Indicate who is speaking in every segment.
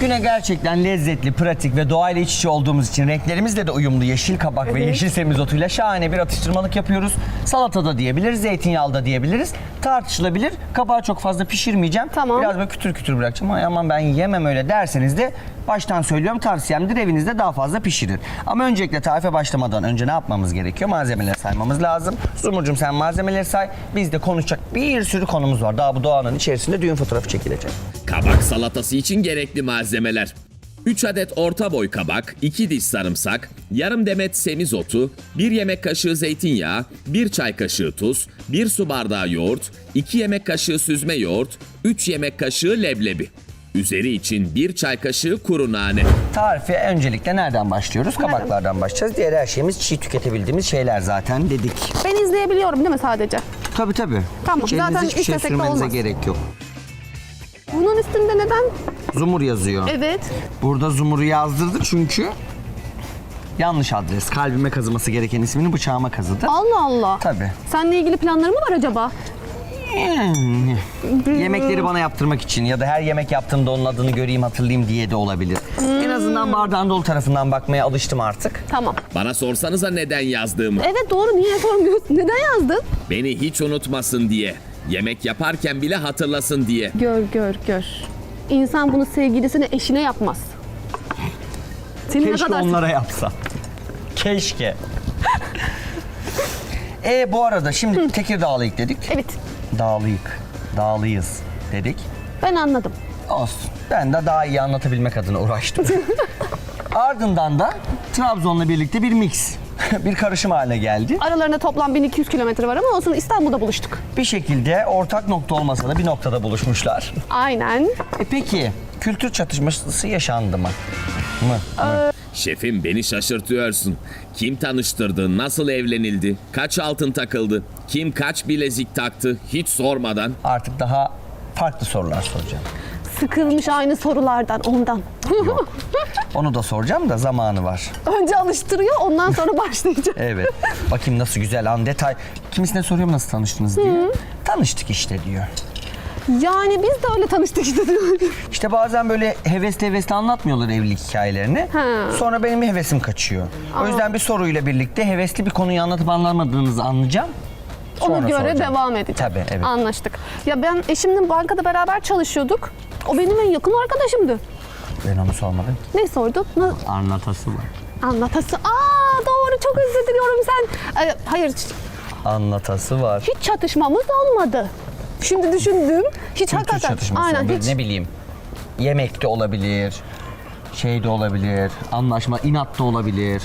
Speaker 1: Güne gerçekten lezzetli, pratik ve doğayla iç içe olduğumuz için renklerimizle de uyumlu yeşil kabak ve yeşil semizotuyla şahane bir atıştırmalık yapıyoruz. Salatada diyebiliriz, zeytinyağlı da diyebiliriz. Tartışılabilir. Kabağı çok fazla pişirmeyeceğim.
Speaker 2: Tamam.
Speaker 1: Biraz böyle kütür kütür bırakacağım. Ay aman ben yemem öyle derseniz de baştan söylüyorum, tavsiyemdir, evinizde daha fazla pişirin. Ama öncelikle tarife başlamadan önce ne yapmamız gerekiyor? Malzemeleri saymamız lazım. Zumurcuğum sen malzemeleri say. Bizde konuşacak bir sürü konumuz var. Daha bu doğanın içerisinde düğün fotoğrafı çekilecek.
Speaker 3: Kabak salatası için gerekli malzemeler: 3 adet orta boy kabak, 2 diş sarımsak, yarım demet semizotu, 1 yemek kaşığı zeytinyağı, 1 çay kaşığı tuz, 1 su bardağı yoğurt, 2 yemek kaşığı süzme yoğurt, 3 yemek kaşığı leblebi. Üzeri için 1 çay kaşığı kuru nane.
Speaker 1: Tarife öncelikle nereden başlıyoruz? Kabaklardan başlayacağız. Diğer her şeyimiz çiğ tüketebildiğimiz şeyler zaten dedik.
Speaker 2: Ben izleyebiliyorum değil mi sadece?
Speaker 1: Tabii tabii.
Speaker 2: Tamam,
Speaker 1: Hiç elinize
Speaker 2: zaten
Speaker 1: hiçbir şey
Speaker 2: istesek de
Speaker 1: sürmenize
Speaker 2: olmaz.
Speaker 1: gerek yok.
Speaker 2: Bunun üstünde neden?
Speaker 1: Zumur yazıyor.
Speaker 2: Evet.
Speaker 1: Burada Zumur'u yazdırdı çünkü yanlış adres. Kalbime kazıması gereken ismini bıçağıma kazıdı.
Speaker 2: Allah Allah.
Speaker 1: Tabii.
Speaker 2: Seninle ilgili planları mı var acaba?
Speaker 1: Yani. Yemekleri bana yaptırmak için ya da her yemek yaptığımda onun adını göreyim, hatırlayayım diye de olabilir. En azından bardağın dolu tarafından bakmaya alıştım artık.
Speaker 2: Tamam.
Speaker 3: Bana sorsanıza neden yazdığımı.
Speaker 2: Evet doğru, niye sormuyorsun? Neden yazdın?
Speaker 3: Beni hiç unutmasın diye. Yemek yaparken bile hatırlasın diye.
Speaker 2: Gör. İnsan bunu sevgilisine, eşine yapmaz. Senin
Speaker 1: Keşke
Speaker 2: ne kadar...
Speaker 1: onlara yapsa. Keşke. Bu arada şimdi Tekirdağlıyık dedik.
Speaker 2: Evet,
Speaker 1: Dağlıyız dedik.
Speaker 2: ben anladım.
Speaker 1: Olsun. Ben de daha iyi anlatabilmek adına uğraştım. Ardından da Trabzon'la birlikte bir mix, bir karışım haline geldi.
Speaker 2: Aralarında toplam 1200 kilometre var ama olsun, İstanbul'da buluştuk.
Speaker 1: Bir şekilde ortak nokta olmasa da bir noktada buluşmuşlar.
Speaker 2: Aynen.
Speaker 1: Peki kültür çatışması yaşandı mı?
Speaker 3: Şefim, beni şaşırtıyorsun. Kim tanıştırdı, nasıl evlenildi, kaç altın takıldı, kim kaç bilezik taktı hiç sormadan.
Speaker 1: Artık daha farklı sorular soracağım.
Speaker 2: Sıkılmış aynı sorulardan, ondan.
Speaker 1: Onu da soracağım da zamanı var.
Speaker 2: Önce alıştırıyor, ondan sonra başlayacak.
Speaker 1: Evet. Bakayım nasıl güzel an detay. Kimisine soruyorum nasıl tanıştınız diye. Tanıştık işte diyor.
Speaker 2: Yani biz de öyle tanıştık işte.
Speaker 1: İşte bazen böyle hevesli anlatmıyorlar evlilik hikayelerini.
Speaker 2: Ha.
Speaker 1: Sonra benim bir hevesim kaçıyor. O yüzden bir soruyla birlikte hevesli bir konuyu anlatıp anlamadığınızı anlayacağım.
Speaker 2: Ona
Speaker 1: Sonra
Speaker 2: göre
Speaker 1: soracağım.
Speaker 2: devam edeceğim.
Speaker 1: Tabii, evet.
Speaker 2: Anlaştık. Ya ben eşimle bankada beraber çalışıyorduk. O benim en yakın arkadaşımdı.
Speaker 1: Ben onu sormadım ki.
Speaker 2: Ne sordu?
Speaker 1: Anlatası var.
Speaker 2: Anlatası. Doğru, çok özür diliyorum sen. Hayır,
Speaker 1: Anlatası var.
Speaker 2: hiç çatışmamız olmadı. Şimdi düşündüm. Hiç
Speaker 1: Kültür
Speaker 2: hakikaten.
Speaker 1: çatışması
Speaker 2: Aynen
Speaker 1: olabilir.
Speaker 2: hiç.
Speaker 1: Ne bileyim. Yemek de olabilir. Şey de olabilir. Anlaşma, inat da olabilir.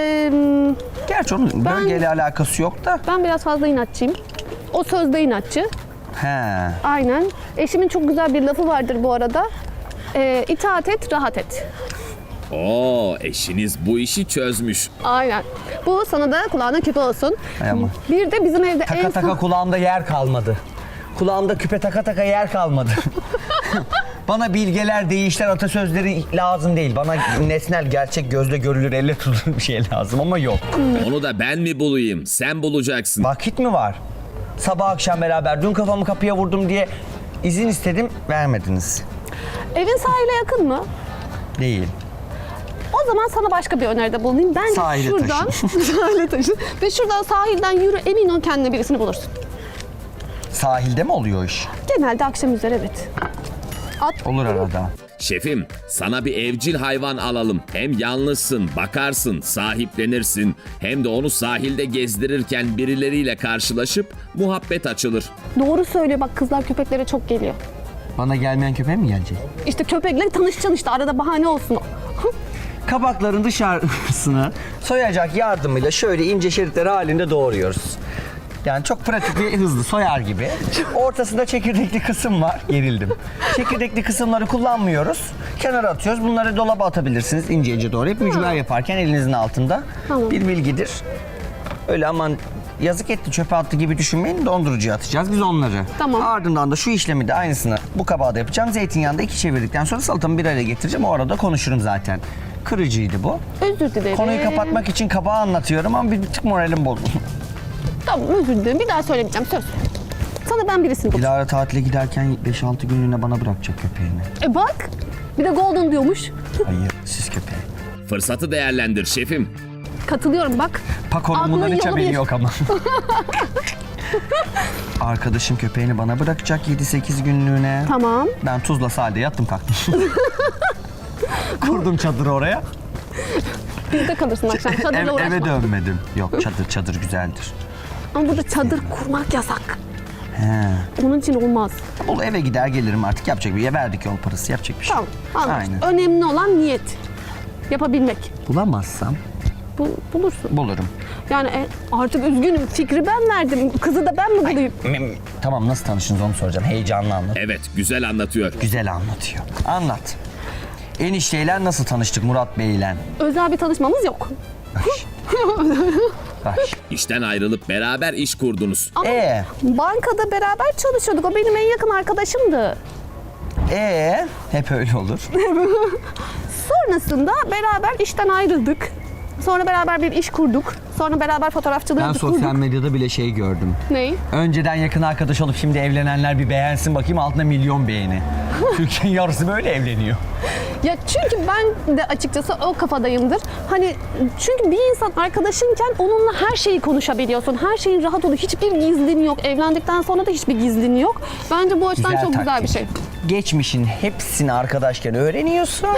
Speaker 1: Gerçi onun bölgeyle alakası yok da.
Speaker 2: Ben biraz fazla inatçıyım. O sözde inatçı.
Speaker 1: He.
Speaker 2: Aynen. Eşimin çok güzel bir lafı vardır bu arada. İtaat et, rahat et.
Speaker 3: Oo, eşiniz bu işi çözmüş.
Speaker 2: Aynen. Bu sana da kulağına küpe olsun.
Speaker 1: Hay ama.
Speaker 2: Bir de bizim evde en
Speaker 1: Taka kulağımda yer kalmadı. Kulağımda küpe taka yer kalmadı. Bana bilgeler, deyişler, atasözleri lazım değil. Bana nesnel, gerçek, gözle görülür, elle tutulur bir şey lazım ama yok.
Speaker 3: Onu da ben mi bulayım? Sen bulacaksın.
Speaker 1: Vakit mi var? Sabah akşam beraber dün kafamı kapıya vurdum diye izin istedim, vermediniz.
Speaker 2: Evin sahile yakın mı?
Speaker 1: Değil.
Speaker 2: O zaman sana başka bir öneride bulunayım. Bence
Speaker 1: Sahile
Speaker 2: şuradan sahile taşın. Ve şuradan sahilden yürü, emin ol kendine birisini bulursun.
Speaker 1: Sahilde mi oluyor iş?
Speaker 2: Genelde akşam üzeri evet.
Speaker 1: Olur arada.
Speaker 3: Şefim, sana bir evcil hayvan alalım. Hem yalnızsın, bakarsın, sahiplenirsin. Hem de onu sahilde gezdirirken birileriyle karşılaşıp muhabbet açılır.
Speaker 2: Doğru söylüyor, bak kızlar köpeklere çok geliyor.
Speaker 1: Bana gelmeyen köpeğe mi gelecek?
Speaker 2: İşte köpekle tanışacaksın işte, arada bahane olsun.
Speaker 1: Kabakların dışarısını soyacak yardımıyla şöyle ince şeritler halinde doğruyoruz. Yani çok pratik ve hızlı, soyar gibi. Ortasında çekirdekli kısım var. Gerildim. Çekirdekli kısımları kullanmıyoruz. Kenara atıyoruz. Bunları dolaba atabilirsiniz ince doğrayıp mücver yaparken elinizin altında.
Speaker 2: Tamam.
Speaker 1: Bir bilgidir. Öyle aman yazık etti çöpe attı gibi düşünmeyin. Dondurucuya atacağız biz onları.
Speaker 2: Tamam.
Speaker 1: Ardından da şu işlemi de aynısını bu kabağa da yapacağım. Zeytinyağında 2 çevirdikten sonra salatamı bir araya getireceğim. O arada konuşurum zaten. Kırıcıydı bu.
Speaker 2: Özür dilerim.
Speaker 1: Konuyu kapatmak için kabağı anlatıyorum ama bir tık moralim bozuldu.
Speaker 2: Tamam, özür dilerim. Bir daha söylemeyeceğim, söz. Sana ben birisini bulacağım.
Speaker 1: Dilara tatile giderken 5-6 günlüğüne bana bırakacak köpeğini.
Speaker 2: Bak. Bir de golden diyormuş.
Speaker 1: Hayır, süs köpeği.
Speaker 3: Fırsatı değerlendir şefim.
Speaker 2: Katılıyorum bak.
Speaker 1: Pako'nun
Speaker 2: Aklın
Speaker 1: bundan hiç
Speaker 2: yolu
Speaker 1: haberi
Speaker 2: bir.
Speaker 1: yok ama. Arkadaşım köpeğini bana bırakacak 7-8 günlüğüne.
Speaker 2: Tamam.
Speaker 1: Ben Tuzla sahilde yattım kalktım. Kurdum çadırı oraya.
Speaker 2: Bizde kalırsın akşam. Çadırla uğraşma.
Speaker 1: Eve dönmedim. Yok, çadır güzeldir.
Speaker 2: Ama burada çadır kurmak yasak.
Speaker 1: He.
Speaker 2: Onun için olmaz.
Speaker 1: O eve gider gelirim artık, yapacak bir şey. Verdik yol parası, yapacak bir şey.
Speaker 2: Tamam. Anlaştık.
Speaker 1: Aynen.
Speaker 2: Önemli olan niyet. Yapabilmek.
Speaker 1: Bulamazsam
Speaker 2: Bulursun.
Speaker 1: bulurum.
Speaker 2: Yani artık üzgünüm. Fikri ben verdim. Kızı da ben mi bulayım?
Speaker 1: Tamam, nasıl tanıştınız onu soracağım. Heyecanlı anlat.
Speaker 3: Evet, güzel anlatıyor.
Speaker 1: Güzel anlatıyor. Anlat. Enişteyle nasıl tanıştık Murat Bey'le?
Speaker 2: Özel bir tanışmamız yok.
Speaker 1: Bak.
Speaker 3: İşten ayrılıp beraber iş kurdunuz.
Speaker 2: Ama
Speaker 1: Ee?
Speaker 2: bankada beraber çalışıyorduk. O benim en yakın arkadaşımdı.
Speaker 1: Hep öyle olur.
Speaker 2: Sonrasında beraber işten ayrıldık. Sonra beraber bir iş kurduk. Sonra beraber fotoğrafçılığı
Speaker 1: Ben sosyal
Speaker 2: kurduk.
Speaker 1: medyada bile şey gördüm.
Speaker 2: Ney?
Speaker 1: Önceden yakın arkadaş olup şimdi evlenenler bir beğensin bakayım, altında milyon beğeni. Türkiye'nin yarısı böyle evleniyor.
Speaker 2: Ya çünkü ben de açıkçası o kafadayımdır. Hani çünkü bir insan arkadaşınken onunla her şeyi konuşabiliyorsun. Her şeyin rahat olduğu, hiçbir gizlin yok. Evlendikten sonra da hiçbir gizlin yok. Bence bu açıdan çok güzel bir şey.
Speaker 1: Geçmişin hepsini arkadaşken öğreniyorsun.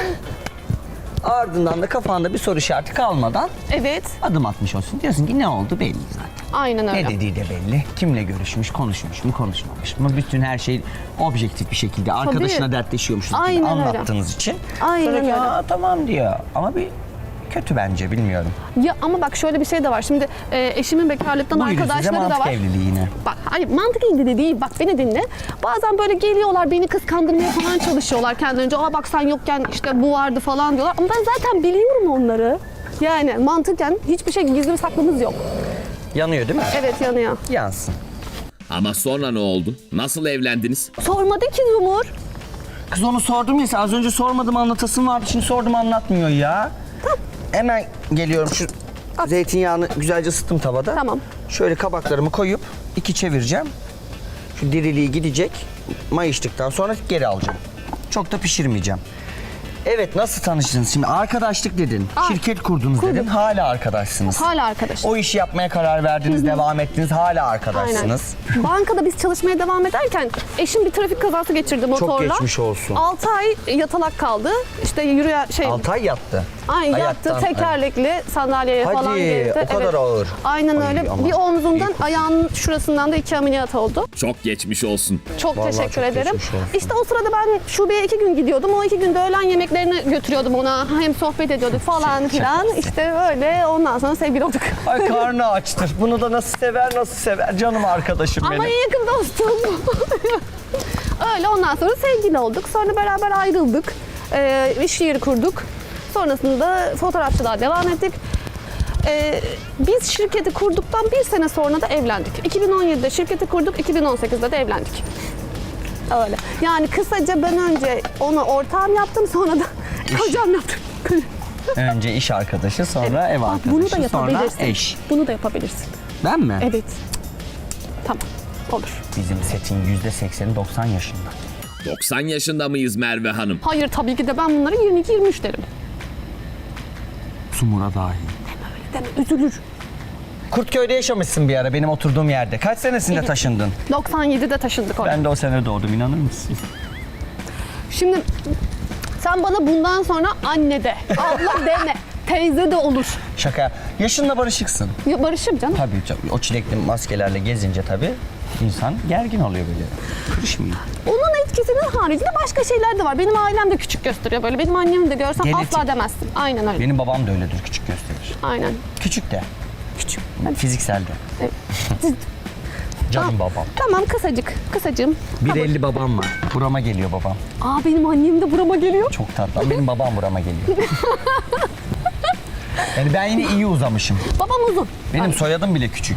Speaker 1: Ardından da kafanda bir soru işareti kalmadan
Speaker 2: Evet,
Speaker 1: adım atmış olsun. Diyorsun ki ne oldu belli zaten.
Speaker 2: aynen öyle.
Speaker 1: Ne dediği de belli. Kimle görüşmüş, konuşmuş mu, konuşmamış mı? Bütün her şey objektif bir şekilde arkadaşına dertleşiyormuşuz gibi
Speaker 2: Aynen öyle.
Speaker 1: anlattığınız için.
Speaker 2: Aynen
Speaker 1: Sonra ki,
Speaker 2: öyle.
Speaker 1: "Aa, tamam diyor. Ama bir kötü bence, bilmiyorum.
Speaker 2: Ya ama bak şöyle bir şey de var. Şimdi eşimin bekarlıktan
Speaker 1: Buyurun size
Speaker 2: arkadaşları da
Speaker 1: mantık
Speaker 2: var.
Speaker 1: evliliği yine.
Speaker 2: Bak hayır, mantık evliliği değil, bak beni dinle. Bazen böyle geliyorlar, beni kıskandırmaya falan çalışıyorlar kendilerince. Aa bak sen yokken işte bu vardı falan diyorlar. Ama ben zaten biliyorum onları. Yani mantıken hiçbir şey gizli saklımız yok.
Speaker 1: Yanıyor değil mi?
Speaker 2: Evet, yanıyor.
Speaker 1: Yansın.
Speaker 3: Ama sonra ne oldu? Nasıl evlendiniz?
Speaker 2: Sormadı ki Zumur.
Speaker 1: Kız onu sordum ya, az önce sormadım, anlatasım vardı, şimdi sordum anlatmıyor ya. Hemen geliyorum, şu zeytinyağını güzelce ısıttım tavada.
Speaker 2: Tamam.
Speaker 1: Şöyle kabaklarımı koyup iki çevireceğim. Şu diriliği gidecek, mayıştıktan sonra geri alacağım. Çok da pişirmeyeceğim. Evet, nasıl tanıştınız şimdi? Arkadaşlık dedin, şirket kurdunuz dedin, hala arkadaşsınız.
Speaker 2: Hala arkadaş.
Speaker 1: O işi yapmaya karar verdiniz, devam ettiniz, hala arkadaşsınız.
Speaker 2: Aynen. Bankada biz çalışmaya devam ederken eşim bir trafik kazası geçirdi motorla.
Speaker 1: geçmiş olsun.
Speaker 2: 6 ay yatalak kaldı. İşte yürüyen
Speaker 1: 6 ay yattı.
Speaker 2: Ay yattı,
Speaker 1: Hayattan-
Speaker 2: tekerlekli sandalyeye
Speaker 1: Hadi,
Speaker 2: falan geldi.
Speaker 1: o kadar ağır.
Speaker 2: Aynen
Speaker 1: Ay,
Speaker 2: öyle.
Speaker 1: aman.
Speaker 2: Bir omzundan, ayağının şurasından da 2 ameliyat oldu.
Speaker 3: Çok geçmiş olsun.
Speaker 2: Çok
Speaker 1: Vallahi
Speaker 2: teşekkür
Speaker 1: çok
Speaker 2: ederim.
Speaker 1: geçmiş olsun.
Speaker 2: İşte o sırada ben şubeye 2 gün gidiyordum. O 2 günde öğlen yemeklerini götürüyordum ona. Hem sohbet ediyorduk falan filan. İşte öyle ondan sonra sevgili olduk.
Speaker 1: Ay, karnı açtır. Bunu da nasıl sever canım arkadaşım
Speaker 2: Ama
Speaker 1: benim.
Speaker 2: en yakın dostum. Öyle ondan sonra sevgili olduk. Sonra beraber ayrıldık. İş yeri kurduk. Sonrasında fotoğrafçılığa devam ettik. Biz şirketi kurduktan 1 sene sonra da evlendik. 2017'de şirketi kurduk, 2018'de de evlendik. Öyle. Yani kısaca ben önce onu ortağım yaptım, sonra da kocam yaptım.
Speaker 1: Önce iş arkadaşı, sonra ev
Speaker 2: Bak,
Speaker 1: arkadaşı,
Speaker 2: bunu da
Speaker 1: sonra
Speaker 2: yapabilirsin.
Speaker 1: eş.
Speaker 2: Bunu da yapabilirsin.
Speaker 1: Ben mi?
Speaker 2: Evet. Tamam. Olur.
Speaker 1: Bizim setin %80'i 90 yaşında.
Speaker 3: 90 yaşında mıyız Merve Hanım?
Speaker 2: Hayır, tabii ki de ben bunları 22-23 derim.
Speaker 1: Sumura dahil.
Speaker 2: Deme, üzülür.
Speaker 1: Kurtköy'de yaşamışsın bir ara, benim oturduğum yerde. Kaç senesinde taşındın?
Speaker 2: 97'de taşındık oraya.
Speaker 1: Ben de o sene doğdum, inanır mısın?
Speaker 2: Şimdi sen bana bundan sonra anne de, abla deme, teyze de olur.
Speaker 1: Şaka. Yaşınla barışıksın.
Speaker 2: Ya barışım canım.
Speaker 1: Tabii canım. O çilekli maskelerle gezince tabii insan gergin oluyor böyle. Kırışmıyor.
Speaker 2: Onun etkisinin haricinde başka şeyler de var. Benim ailem de küçük gösteriyor böyle. Benim annemi de görsen
Speaker 1: Genetik.
Speaker 2: asla demezsin. Aynen öyle.
Speaker 1: Benim babam da öyledir, küçük gösterir.
Speaker 2: Aynen.
Speaker 1: Küçük de.
Speaker 2: Küçük.
Speaker 1: Fiziksel de.
Speaker 2: Evet.
Speaker 1: Canım babam.
Speaker 2: Tamam, kısacığım.
Speaker 1: 1.50 babam var. Burama geliyor babam.
Speaker 2: Aa, benim annem de burama geliyor.
Speaker 1: Çok tatlı. Ama benim babam burama geliyor. Yani ben yine iyi uzamışım.
Speaker 2: Babam uzun.
Speaker 1: Benim soyadım bile küçük.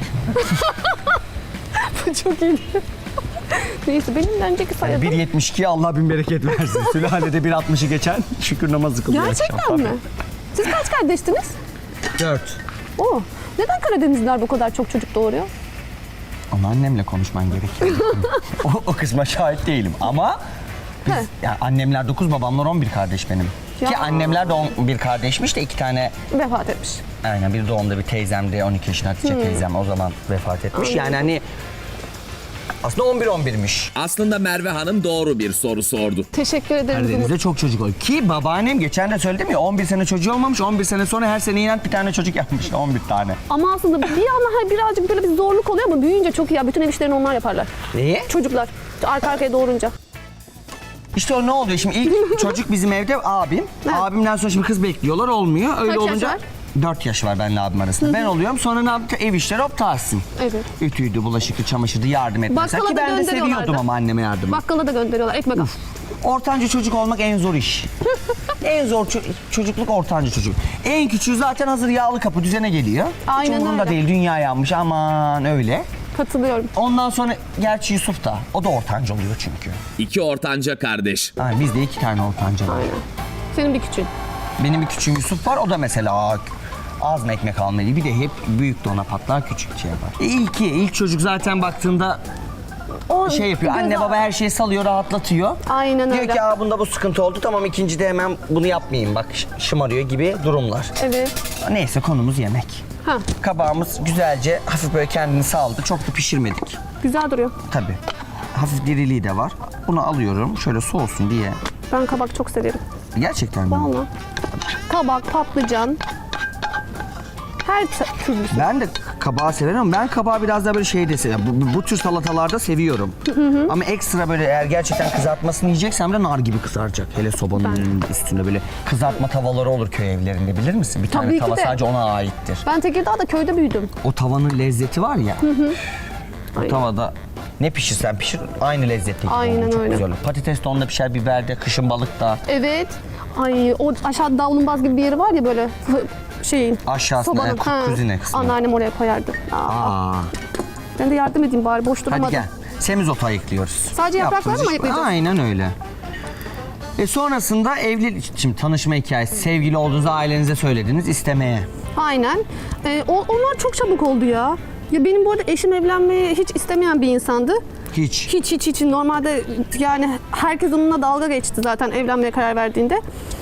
Speaker 2: Çok iyi. Neyse, benim de önceki soyadım.
Speaker 1: 1.72'ye Allah bin bereket versin. Sülalede 1.60'ı geçen şükür namazı kılıyor.
Speaker 2: Gerçekten mi? Siz kaç kardeştiniz?
Speaker 1: 4.
Speaker 2: Oo. Neden Karadenizliler bu kadar çok çocuk doğuruyor?
Speaker 1: Onu annemle konuşman gerekiyor. o kısma şahit değilim ama Biz,
Speaker 2: He.
Speaker 1: yani annemler 9, babamlar 11 kardeş benim.
Speaker 2: Ya.
Speaker 1: Ki annemler de 11 kardeşmiş de 2 tane,
Speaker 2: Vefat etmiş.
Speaker 1: aynen, bir doğumda bir teyzem de 12 yaşında Hatice teyzem o zaman vefat etmiş. Yani hani aslında 11-11'miş.
Speaker 3: Aslında Merve Hanım doğru bir soru sordu.
Speaker 2: Teşekkür ederim.
Speaker 1: Karadeniz'de çok çocuk oluyor. Ki babaannem geçen de söyledim ya, 11 sene çocuğu olmamış, 11 sene sonra her sene yine bir tane çocuk yapmış, 11 tane.
Speaker 2: Ama aslında bir yana birazcık böyle bir zorluk oluyor ama büyüyünce çok iyi ya. Bütün ev işlerini onlar yaparlar.
Speaker 1: Niye?
Speaker 2: Çocuklar. Arka arkaya doğurunca.
Speaker 1: İşte o ne oluyor şimdi, ilk çocuk bizim evde abim.
Speaker 2: Evet.
Speaker 1: Abimden sonra şimdi kız bekliyorlar, olmuyor. Öyle
Speaker 2: Kaç yaş
Speaker 1: olunca
Speaker 2: var?
Speaker 1: 4 yaş var benimle abim arasında. Ben oluyorum, sonra ne yaptı? Ev işleri hop Tahsin.
Speaker 2: Evet.
Speaker 1: Ütüydü, bulaşıktı, çamaşırdı, yardım etmesi.
Speaker 2: Bakkala
Speaker 1: Ki
Speaker 2: da
Speaker 1: ben de
Speaker 2: gönderiyorlardı.
Speaker 1: seviyordum ama anneme yardım.
Speaker 2: Bakkala da gönderiyorlar. Ekmek al.
Speaker 1: Ortanca çocuk olmak en zor iş. En zor çocukluk ortanca çocuk. En küçüğü zaten hazır yağlı kapı düzene geliyor.
Speaker 2: Aynen
Speaker 1: Hiç umurunda
Speaker 2: öyle.
Speaker 1: değil, dünya yanmış, aman öyle.
Speaker 2: Katılıyorum.
Speaker 1: Ondan sonra gerçi Yusuf da, o da ortanca oluyor çünkü.
Speaker 3: 2 ortanca kardeş.
Speaker 1: Yani bizde 2 tane ortanca var.
Speaker 2: Aynen. Senin bir küçüğün.
Speaker 1: Benim bir küçüğüm Yusuf var, o da mesela az mı ekmek almalıydı. Bir de hep büyük de ona patlar, küçük şey yapar. İlk çocuk zaten baktığında
Speaker 2: O
Speaker 1: şey yapıyor. Anne baba her şeyi salıyor, rahatlatıyor.
Speaker 2: Aynen
Speaker 1: Diyor
Speaker 2: öyle.
Speaker 1: ki bunda bu sıkıntı oldu. Tamam, ikincide hemen bunu yapmayayım. Bak şımarıyor gibi durumlar.
Speaker 2: Evet.
Speaker 1: Neyse, konumuz yemek.
Speaker 2: Ha,
Speaker 1: Kabağımız güzelce hafif böyle kendini saldı. Çok da pişirmedik.
Speaker 2: güzel duruyor.
Speaker 1: Tabii. Hafif diriliği de var. Bunu alıyorum şöyle soğusun diye.
Speaker 2: Ben kabak çok severim.
Speaker 1: Gerçekten mi?
Speaker 2: Vallahi. Kabak, patlıcan. Her türlüsü.
Speaker 1: Ben de kabağı severim ama ben kabağı biraz daha böyle şey de seviyorum. Bu tür salatalarda seviyorum. Ama ekstra böyle eğer gerçekten kızartmasını yiyeceksem de nar gibi kızaracak. Hele sobanın üstünde böyle kızartma tavaları olur köy evlerinde, bilir misin? Bir tane
Speaker 2: Tabii ki
Speaker 1: tava
Speaker 2: de.
Speaker 1: sadece ona aittir.
Speaker 2: Ben Tekirdağ'da köyde büyüdüm.
Speaker 1: O tavanın lezzeti var ya. O
Speaker 2: Aynen.
Speaker 1: tavada ne pişirsen pişir aynı lezzette gibi
Speaker 2: Aynen
Speaker 1: oluyor. Çok
Speaker 2: öyle.
Speaker 1: güzel oluyor. Patates de onda pişer, biber de, kışın balık da.
Speaker 2: Evet. Ay o aşağıda davlumbaz gibi bir yeri var ya böyle şeyin.
Speaker 1: Aşağısında,
Speaker 2: sobanın.
Speaker 1: kuzine kısmı.
Speaker 2: Anneannem oraya koyardı.
Speaker 1: Aa,
Speaker 2: Ben de yardım edeyim bari boş duramadım.
Speaker 1: hadi gel. Semizotu ayıklıyoruz.
Speaker 2: Sadece yapraklarını
Speaker 1: Yaptığımız
Speaker 2: mı
Speaker 1: iş bu.
Speaker 2: ayıklayacağız?
Speaker 1: Aynen öyle. Sonrasında şimdi tanışma hikayesi, sevgili olduğunuzu ailenize söylediniz, istemeye.
Speaker 2: Aynen. Onlar çok çabuk oldu ya. Ya benim bu arada eşim evlenmeyi hiç istemeyen bir insandı.
Speaker 1: Hiç.
Speaker 2: Hiç normalde yani herkes onunla dalga geçti zaten evlenmeye karar verdiğinde.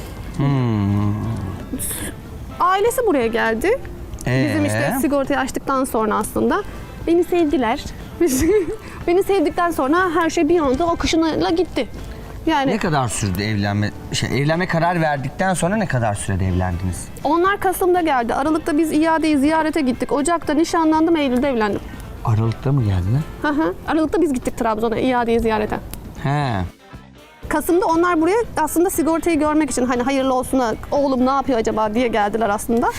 Speaker 2: Ailesi buraya geldi. Bizim işte sigortayı açtıktan sonra aslında beni sevdiler. Beni sevdikten sonra her şey bir anda akışına gitti. Yani
Speaker 1: Ne kadar sürdü evlenme karar verdikten sonra ne kadar sürede evlendiniz?
Speaker 2: onlar Kasım'da geldi. Aralık'ta biz iadeyi ziyarete gittik. Ocak'ta nişanlandım, Eylül'de evlendim.
Speaker 1: Aralıkta mı geldiler?
Speaker 2: Hı hı. Aralık'ta biz gittik Trabzon'a iadeyi ziyarete.
Speaker 1: He.
Speaker 2: Kasım'da onlar buraya aslında sigortayı görmek için hani hayırlı olsun da oğlum ne yapıyor acaba diye geldiler aslında.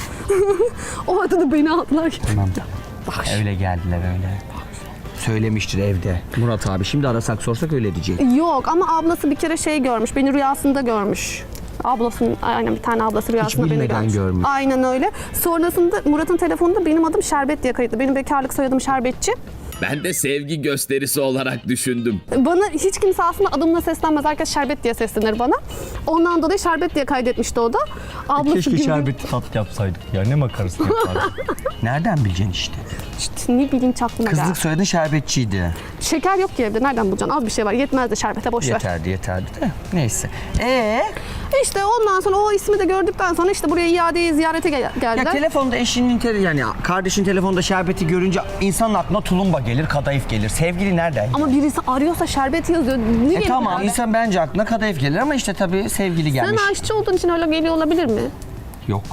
Speaker 2: O arada da beni aldılar.
Speaker 1: Tamam. Öyle geldiler öyle. Söylemiştir evde. Murat abi şimdi arasak sorsak öyle diyecek.
Speaker 2: Yok ama ablası bir kere şey görmüş, beni rüyasında görmüş. Ablasının, aynen bir tane ablası rüyasında beni
Speaker 1: bilmeden görmüş.
Speaker 2: Aynen öyle. Sonrasında Murat'ın telefonunda benim adım Şerbet diye kayıtlı. Benim bekarlık soyadım Şerbetçi.
Speaker 3: Ben de sevgi gösterisi olarak düşündüm.
Speaker 2: Bana hiç kimse aslında adımla seslenmez. Herkes Şerbet diye seslenir bana. Ondan dolayı Şerbet diye kaydetmişti o da. Ablası gibi.
Speaker 1: tat yapsaydık ya, ne makarası yapardık. Nereden bileceksin işte?
Speaker 2: İşte ne bilinç aklıma
Speaker 1: Kızlık
Speaker 2: geldi.
Speaker 1: soyadın Şerbetçiydi.
Speaker 2: Şeker yok ki evde. Nereden bulacaksın? Az bir şey var. Yetmez de şerbete boş ver.
Speaker 1: Yeterdi de. Neyse.
Speaker 2: İşte ondan sonra o ismi de gördükten sonra işte buraya iadeyi ziyarete geldiler.
Speaker 1: Ya telefonda eşinin yani kardeşin telefonda Şerbet'i görünce insanın aklına tulumba gelir, kadayıf gelir. Sevgili nereden?
Speaker 2: Ama birisi arıyorsa şerbet yazıyor. Ne gelir
Speaker 1: Tamam,
Speaker 2: herhalde?
Speaker 1: insan bence aklına kadayıf gelir ama işte tabii sevgili
Speaker 2: Sen
Speaker 1: gelmiş.
Speaker 2: aşçı olduğun için öyle geliyor olabilir mi?
Speaker 1: Yok.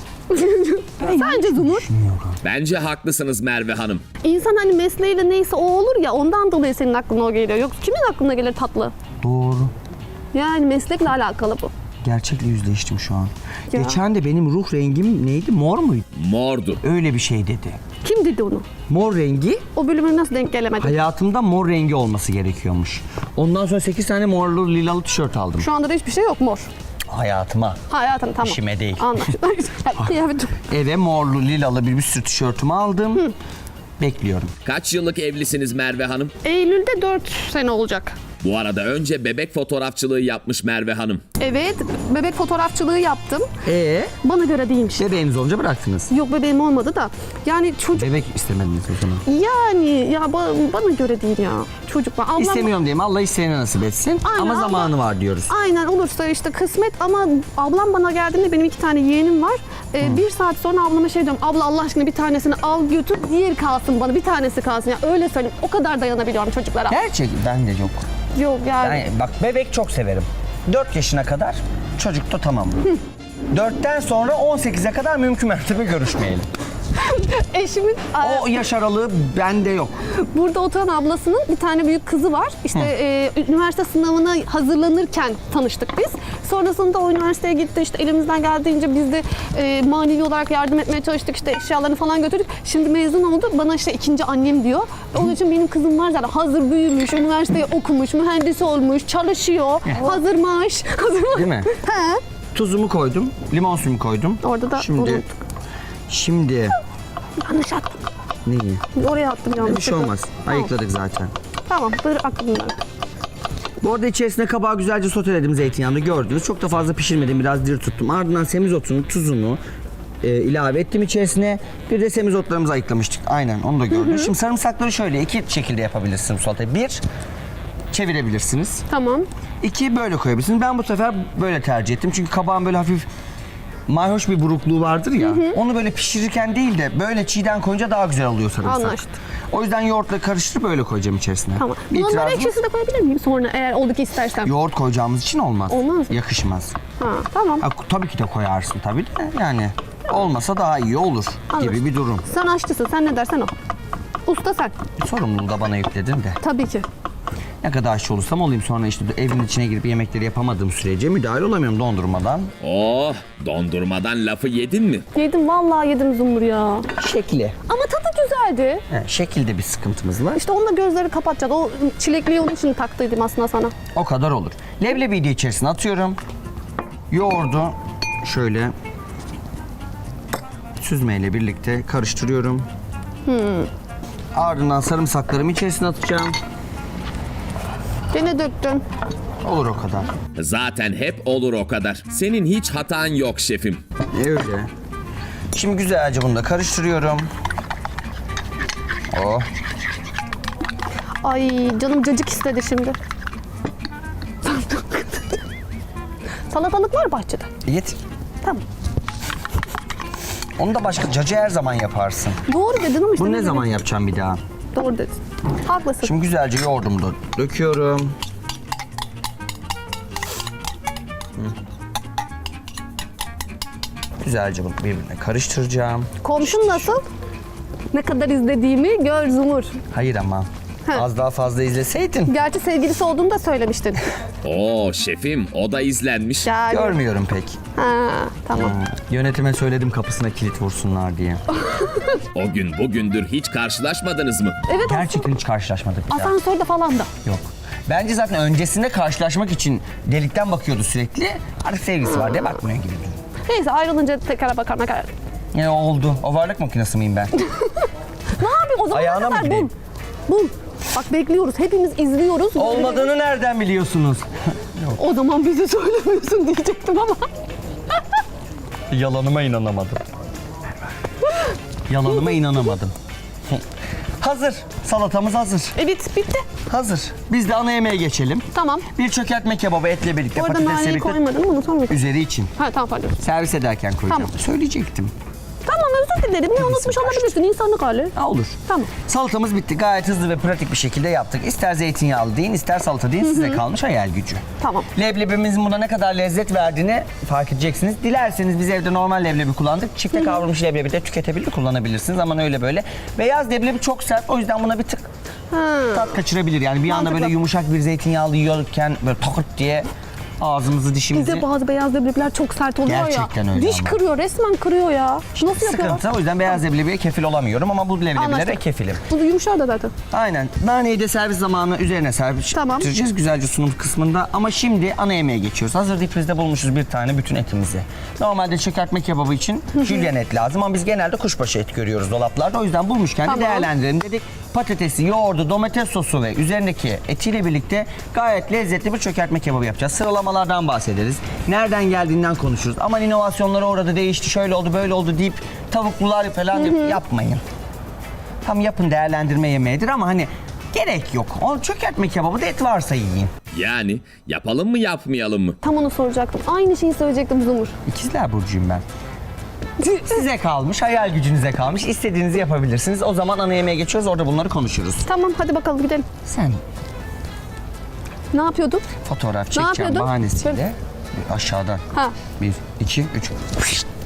Speaker 2: Sence Zumur?
Speaker 3: Bence haklısınız Merve Hanım.
Speaker 2: İnsan hani mesleğiyle neyse o olur ya ondan dolayı senin aklına o geliyor. Yok kimin aklına gelir tatlı?
Speaker 1: Doğru.
Speaker 2: Yani meslekle alakalı bu.
Speaker 1: Gerçekle yüzleştim şu an.
Speaker 2: Ya.
Speaker 1: Geçen de benim ruh rengim neydi? Mor muydu?
Speaker 3: Mordu.
Speaker 1: Öyle bir şey dedi.
Speaker 2: Kim dedi onu?
Speaker 1: Mor rengi
Speaker 2: O bölüme nasıl denk gelemedin?
Speaker 1: hayatımda mor rengi olması gerekiyormuş. Ondan sonra 8 tane morlu lilalı tişört aldım.
Speaker 2: Şu anda da hiçbir şey yok mor.
Speaker 1: Hayatıma.
Speaker 2: Hayatım tamam.
Speaker 1: İşime değil.
Speaker 2: Anlaşıldı. Kıyafet.
Speaker 1: Eve morlu lilalı bir sürü tişörtümü aldım. Bekliyorum.
Speaker 3: Kaç yıllık evlisiniz Merve Hanım?
Speaker 2: Eylül'de 4 sene olacak.
Speaker 3: Bu arada önce bebek fotoğrafçılığı yapmış Merve Hanım.
Speaker 2: Evet, bebek fotoğrafçılığı yaptım. Bana göre değilmiş.
Speaker 1: Bebeğiniz olunca bıraktınız.
Speaker 2: Yok, bebeğim olmadı da. Yani çocuk...
Speaker 1: Bebek istemediniz o zaman.
Speaker 2: Yani ya bana göre değil ya. Çocuk var. Ablam...
Speaker 1: İstemiyorum diyeyim. Allah isteyene nasip etsin.
Speaker 2: Aynen,
Speaker 1: ama
Speaker 2: Allah-
Speaker 1: zamanı var diyoruz.
Speaker 2: Aynen, olursa işte kısmet ama ablam bana geldiğinde benim 2 tane yeğenim var. 1 saat sonra ablama şey diyorum. Abla Allah aşkına bir tanesini al götür, diğer kalsın bana. Bir tanesi kalsın. Ya öyle söyleyeyim. O kadar dayanabiliyorum çocuklara.
Speaker 1: Gerçek ben de yok.
Speaker 2: Yok yani.
Speaker 1: Yani bak bebek çok severim. 4 yaşına kadar çocuk da tamam. 4'ten sonra 18'e kadar mümkün mertebe görüşmeyelim.
Speaker 2: Eşimin
Speaker 1: O yaş aralığı bende yok.
Speaker 2: burada oturan ablasının bir tane büyük kızı var. İşte üniversite sınavına hazırlanırken tanıştık biz. Sonrasında o üniversiteye gitti. İşte elimizden geldiğince biz de manevi olarak yardım etmeye çalıştık. İşte eşyalarını falan götürdük. Şimdi mezun oldu. Bana işte 2. annem diyor. Onun için benim kızım var zaten. Hazır büyümüş, üniversiteyi okumuş, mühendis olmuş, çalışıyor. Hazır maaş.
Speaker 1: Değil mi?
Speaker 2: He.
Speaker 1: Tuzumu koydum, limon suyumu koydum.
Speaker 2: Orada da
Speaker 1: Şimdi
Speaker 2: yanlış attım.
Speaker 1: neyi?
Speaker 2: Oraya attım yanlış.
Speaker 1: Bir şey olmaz. Ayıkladık zaten.
Speaker 2: Tamam, böyle aklımda.
Speaker 1: Bu arada içerisine kabağı güzelce soteledim zeytinyağında gördünüz. Çok da fazla pişirmedim, biraz diri tuttum. Ardından semizotunu, tuzunu ilave ettim içerisine. Bir de semizotlarımızı ayıklamıştık. Aynen onu da gördünüz. Şimdi sarımsakları şöyle 2 şekilde yapabilirsiniz salatayı. 1, çevirebilirsiniz.
Speaker 2: Tamam.
Speaker 1: 2, böyle koyabilirsiniz. Ben bu sefer böyle tercih ettim. Çünkü kabağın böyle hafif mayhoş bir burukluğu vardır ya. Onu böyle pişirirken değil de böyle çiğden koyunca daha güzel oluyor sarımsak.
Speaker 2: Anlaştık.
Speaker 1: O yüzden yoğurtla karıştırıp öyle koyacağım içerisine.
Speaker 2: Tamam.
Speaker 1: Bir
Speaker 2: Bunları
Speaker 1: itirazınız?
Speaker 2: ekşisi de koyabilir miyim sonra eğer oldu ki istersem?
Speaker 1: Yoğurt koyacağımız için olmaz.
Speaker 2: Olmaz mı?
Speaker 1: Yakışmaz.
Speaker 2: Ha, tamam.
Speaker 1: Ha, tabii ki de koyarsın tabii de yani olmasa daha iyi olur
Speaker 2: Anlaştık.
Speaker 1: gibi bir durum.
Speaker 2: Sen aşçısın, sen ne dersen o. Usta sen.
Speaker 1: Sorumluluğu da bana yükledin de.
Speaker 2: Tabii ki.
Speaker 1: Ne kadar aşçı olursam olayım sonra işte evin içine girip yemekleri yapamadığım sürece müdahale olamıyorum dondurmadan.
Speaker 3: Oh, dondurmadan lafı yedin mi?
Speaker 2: Yedim, vallahi yedim Zumur ya.
Speaker 1: Şekli.
Speaker 2: Ama tadı güzeldi.
Speaker 1: Şekilde bir sıkıntımız var.
Speaker 2: İşte onunla gözleri kapatacağız. O çilekliği onun için taktıydım aslında sana.
Speaker 1: O kadar olur. Leblebiyi de içerisine atıyorum. Yoğurdu şöyle süzmeyle birlikte karıştırıyorum. Ardından sarımsaklarımı içerisine atacağım.
Speaker 2: Gene döktün.
Speaker 1: Olur o kadar.
Speaker 3: Zaten hep olur o kadar. Senin hiç hatan yok şefim.
Speaker 1: Öyle. Şimdi güzelce bunu da karıştırıyorum. Oh.
Speaker 2: Ay canım cacık istedi şimdi. Salatalık var bahçede.
Speaker 1: Getir.
Speaker 2: Tamam.
Speaker 1: Onu da başka cacı her zaman yaparsın.
Speaker 2: Doğru dedin ama işte.
Speaker 1: Bunu ne
Speaker 2: ne
Speaker 1: zaman
Speaker 2: bileyim.
Speaker 1: yapacağım bir daha?
Speaker 2: Doğru dedin. Haklısın.
Speaker 1: Şimdi güzelce yoğurdumu da döküyorum. Güzelce bunu birbirine karıştıracağım.
Speaker 2: Komşun nasıl? Ne kadar izlediğimi gör Zumur.
Speaker 1: Hayır ama az daha fazla izleseydin.
Speaker 2: Gerçi sevgilisi olduğunu da söylemiştin.
Speaker 3: Oo şefim, o da izlenmiş.
Speaker 2: Yani.
Speaker 1: Görmüyorum pek.
Speaker 2: Ha, tamam.
Speaker 1: Yönetime söyledim kapısına kilit vursunlar diye.
Speaker 3: O gün bugündür hiç karşılaşmadınız mı?
Speaker 2: Evet,
Speaker 1: Gerçekten hiç karşılaşmadık bir daha.
Speaker 2: asansörde falan da.
Speaker 1: Yok. Bence zaten öncesinde karşılaşmak için delikten bakıyordu sürekli. Artık sevgisi var diye bakmıyor gibi.
Speaker 2: Neyse ayrılınca tekrar bakar ne kadar.
Speaker 1: Ya oldu. O varlık makinesi miyim ben?
Speaker 2: Ne yapayım o zaman
Speaker 1: Ayağına mı
Speaker 2: kadar
Speaker 1: gideyim?
Speaker 2: bum. Bak bekliyoruz. Hepimiz izliyoruz.
Speaker 1: Olmadığını nereden biliyorsunuz?
Speaker 2: O zaman bize söylemiyorsun diyecektim ama.
Speaker 1: Yalanıma inanamadım. Yalanıma inanamadım. Hazır. Salatamız hazır.
Speaker 2: Evet bitti.
Speaker 1: Hazır. Biz de ana yemeğe geçelim.
Speaker 2: Tamam.
Speaker 1: Bir çökertme kebabı etle birlikte,
Speaker 2: Bu arada
Speaker 1: patatesle
Speaker 2: naneyi
Speaker 1: birlikte.
Speaker 2: koymadım onu sonra.
Speaker 1: Üzeri için.
Speaker 2: Ha tamam pardon.
Speaker 1: Servis ederken koyacağım.
Speaker 2: Tamam.
Speaker 1: Söyleyecektim.
Speaker 2: Tamam özür dilerim. Ne unutmuş olabilirsin. İnsanlık hali.
Speaker 1: Ha, olur.
Speaker 2: Tamam.
Speaker 1: Salatamız bitti. Gayet hızlı ve pratik bir şekilde yaptık. İster zeytinyağlı deyin, ister salata deyin. Size kalmış hayal gücü.
Speaker 2: Tamam.
Speaker 1: Leblebimizin buna ne kadar lezzet verdiğini fark edeceksiniz. Dilerseniz biz evde normal leblebi kullandık. Çifte kavrulmuş leblebi de tüketebilir, kullanabilirsiniz ama öyle böyle. Beyaz leblebi çok sert. O yüzden buna bir tık tat kaçırabilir. Yani bir anda
Speaker 2: Mantıklı.
Speaker 1: böyle yumuşak bir zeytinyağlı yiyorken böyle takırt diye ağzımızı, dişimizi...
Speaker 2: Bizde bazı beyaz leblebiler çok sert oluyor
Speaker 1: Gerçekten
Speaker 2: ya.
Speaker 1: öyle
Speaker 2: Diş
Speaker 1: ama.
Speaker 2: kırıyor, resmen kırıyor ya. Nasıl yapıyor?
Speaker 1: Sıkıntı. O yüzden beyaz leblebiye kefil olamıyorum ama bu leblebilere
Speaker 2: Anlaştık.
Speaker 1: kefilim.
Speaker 2: Bu yumuşar da zaten.
Speaker 1: Aynen. Naneyi de servis zamanı üzerine
Speaker 2: Tamam.
Speaker 1: serpiştireceğiz güzelce sunum kısmında. Ama şimdi ana yemeğe geçiyoruz. Hazır diprizde bulmuşuz bir tane bütün etimizi. Normalde çökertme kebabı için jülyen et lazım ama biz genelde kuşbaşı et görüyoruz dolaplarda. O yüzden bulmuşken de
Speaker 2: Tamam.
Speaker 1: değerlendirelim dedik. patatesi, yoğurdu, domates sosu ve üzerindeki etiyle birlikte gayet lezzetli bir çökertme kebabı yapacağız. Sıralamalardan bahsederiz. Nereden geldiğinden konuşuruz. Aman inovasyonlara uğradı, değişti, şöyle oldu, böyle oldu deyip tavuklular falan yapmayın. Tam yapın, değerlendirme yemeğidir ama hani gerek yok. O çökertme kebabı da et varsa yiyin.
Speaker 3: Yani yapalım mı yapmayalım mı?
Speaker 2: Tam onu soracaktım. Aynı şeyi söyleyecektim Zumur.
Speaker 1: İkizler burcuyum ben. Size kalmış, hayal gücünüze kalmış. İstediğinizi yapabilirsiniz. O zaman ana yemeğe geçiyoruz. Orada bunları konuşuruz.
Speaker 2: Tamam hadi bakalım gidelim.
Speaker 1: Sen
Speaker 2: Ne yapıyordun?
Speaker 1: fotoğraf çekeceğim
Speaker 2: yapıyordun?
Speaker 1: bahanesiyle aşağıdan.
Speaker 2: Ha.
Speaker 1: 1, 2, 3.